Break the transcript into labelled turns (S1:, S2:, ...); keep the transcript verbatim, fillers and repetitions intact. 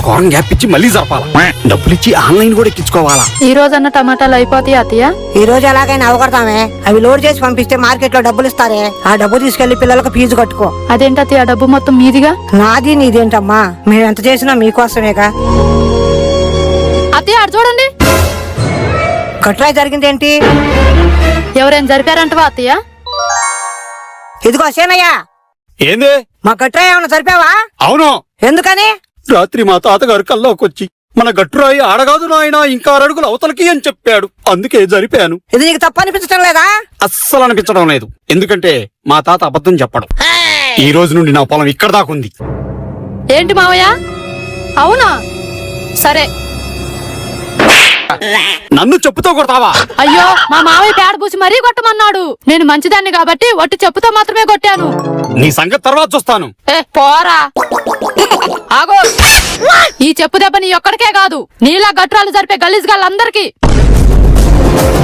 S1: ఒక వారం గ్యాప్ ఇచ్చి మళ్ళీ జరపాలా. డబ్బులు ఇచ్చి ఆన్లైన్ కూడా ఎక్కించుకోవాలా.
S2: ఈ రోజన్న టమాటాలు అయిపోతాయి అత్తయ్య.
S3: ఈ రోజు ఎలాగైనా అవగొడతామే. అవి లోడ్ చేసి పంపిస్తే మార్కెట్ లో డబ్బులు ఇస్తారే, ఆ డబ్బు తీసుకెళ్లి పిల్లలకు ఫీజు కట్టుకో.
S2: అదేంటి అత్తయ్య, డబ్బు మొత్తం మీదిగా?
S3: నాది నీదేంటమ్మా, మేము ఎంత చేసినా మీకోసమేగా.
S2: అత్తయ్య అటు చూడండి.
S3: గట్రాయి జరిగిందేంటి?
S2: ఎవరైనా జరిపారంటవా అత్తయ్య?
S3: ఇదిగో సేనయ్య,
S1: ఏందే?
S3: మా గట్రాయి ఏమన్నా జరిపావా?
S1: అవును.
S3: ఎందుకని?
S1: రాత్రి మా తాతగారు కల్లోకొచ్చి మన గట్టురాయి ఆడగాదు నాయన ఇంకా అడుగులు అవతలకి అని చెప్పాడు. అందుకే జరిపాను.
S3: ఇది నీకు తప్పు అనిపించడం లేదా?
S1: అస్సలు అనిపించడం లేదు. ఎందుకంటే మా తాత అబద్ధం చెప్పడం. ఈ రోజు నుండి నా పొలం ఇక్కడ దాకుంది.
S2: ఏంటి మావయ్య? అవునా? సరే.
S1: నన్ను చెప్పుతో కొడతావా?
S2: అయ్యో, మా మావయ్య పేడ పూసి మరీ కొట్టమన్నాడు. నేను మంచిదాన్ని కాబట్టి ఒట్టి చెప్పుతో మాత్రమే కొట్టాను.
S1: నీ సంగతి తర్వాత చూస్తాను.
S2: ఏ పోరా, ఆగో. ఈ చెప్పు దెబ్బ నీ ఒక్కడికే కాదు, నీలా గట్రాలు జరిపే గలీజ్ గాళ్ళందరికీ.